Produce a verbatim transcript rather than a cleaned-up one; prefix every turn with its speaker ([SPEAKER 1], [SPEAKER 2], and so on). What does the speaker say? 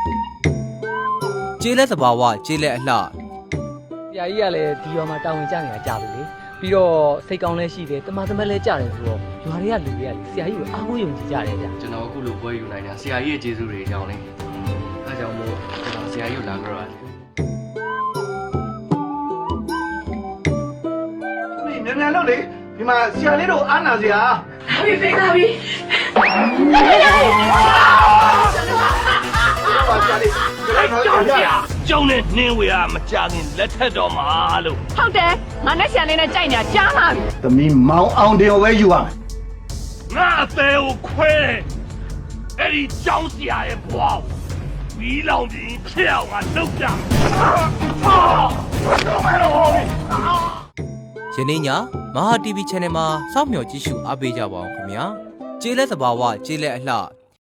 [SPEAKER 1] ကျေးလက်သဘာဝကျေးလက်အလှ
[SPEAKER 2] ဆရာကြီးကလည်းဒီရွာမှာတာဝန်ကျနေတာကြာပြီလေပြီးတော့စိတ်ကောင်းလည်းရှိတယ်တမန်တမက်လည်းကြာတယ်ဆိုတော့ရွာတွေကလူတွေကဆရာကြီးကိုအားကိုးယုံကြည်ကြတယ်ဗျာ
[SPEAKER 3] ကျွန်တော်အခုလိုပွဲယူနိုင်တာဆရာကြီးရဲ့ကျေးဇူးတွေကြောင့်လေအဲကြောင့်မို့ကျွန်တော်ဆရာကြီးကိုလာကြရတယ်
[SPEAKER 4] မြန်မြန်လုပ်လေဒီမှာဆရာလေးတို့အားနာစရာ
[SPEAKER 5] လာပြီဖေးလာပြီ
[SPEAKER 4] ပါဆရာလေးကျွန်တော်ကြောက်ကြ
[SPEAKER 6] ကျုံနဲ့နှင်းဝေကမကြခင်လက်ထက်တော်မှာလို့
[SPEAKER 5] ဟုတ်တယ်ငါနဲ့ဆရာလေးနဲ့ကြိုက်နေတာကြားလာပြီ
[SPEAKER 4] သမီးမောင်အောင်တင်ကိုပဲယူရမယ်
[SPEAKER 6] ငါအသေးကိုခွဲတယ်အဲ့ဒီကြောင်းစရာရဲ့ဘွားဝီလောင်ပြီးဖြစ်အောင်ငါလုပ်ကြမယ်
[SPEAKER 1] ယနေ့ညမဟာ တီဗီ channel မှာစောင့်မျှော်ကြည့်ရှုအားပေးကြပါအောင်ခင်ဗျာကျေးလက်သဘာဝကျေးလက်အလှ